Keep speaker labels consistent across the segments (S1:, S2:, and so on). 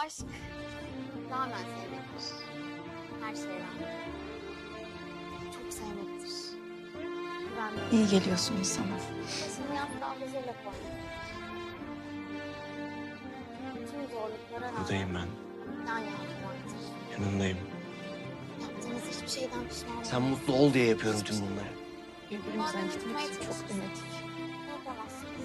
S1: Aşk tamamen sevmektir. Her şeyden. Çok sevmektir. Güvenmektir.
S2: İyi geliyorsun insana.
S1: Başını yastığa huzurla koymak. Tüm zorluklara rağmen
S3: Buradayım ben.
S1: yan yana durmaktır.
S3: Yanındayım.
S1: Yaptığınız hiçbir şeyden pişman olmayın.
S3: Sen mutlu ol diye yapıyorum tüm bunları.
S2: Birbirimizden gitmek için çok denedik.
S1: Yapamazsınız.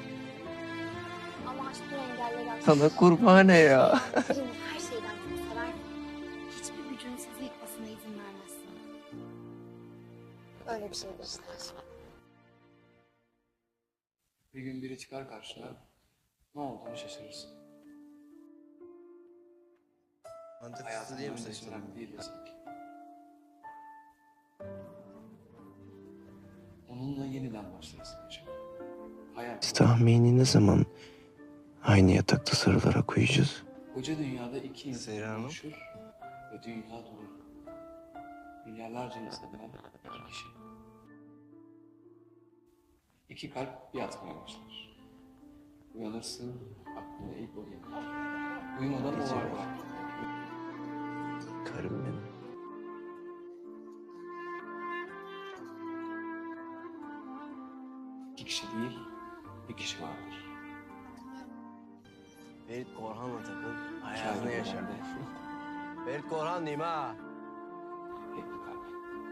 S1: Ama aşk bu engelleri aşar.
S3: Sana kurbane ya.
S1: Birini her şeyden çok sever. Hiçbir gücün sizi yıkmasına izin vermezsiniz. Öyle bir şeydir işte aşk.
S4: Bir gün biri çıkar karşına, ne olduğunu şaşırırsın.
S3: Mantıksız değil mi
S4: Hayatın
S3: saçmalama?
S4: önemli değil ya sanki. Onunla yeniden başlarsın yaşamaya. Hayat.
S3: Biz tahmini ne zaman aynı yatakta sarılarak uyuyacağız?
S4: Koca dünyada iki insan
S3: Zehra Hanım?
S4: konuşur ve dünya durur. Milyarlarca insandan iki kişi. İki kalp bir atmaya başlar. Uyanırsın, aklına ilk o gelir. Uyumadan o var.
S3: Karım benim.
S4: İki kişi değil, bir kişi vardır.
S3: Ferit Korhan'la takıl,
S4: Hayatını
S3: hayatını yaşa.
S4: yaşar.
S3: Ferit Korhan diyeyim ha.
S4: Tek bir kalp.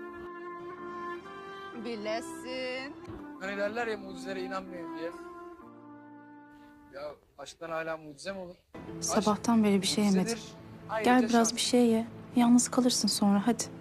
S2: Bilesin.
S5: Hani derler ya mucizelere inanmayın diye. Ya aşktan hala mucize mi olur?
S2: Sabahtan beri bir şey yemedim.
S5: Mucizedir,
S2: Gel
S5: ayrıca
S2: biraz
S5: şans.
S2: bir şey ye. Yalnız kalırsın sonra hadi.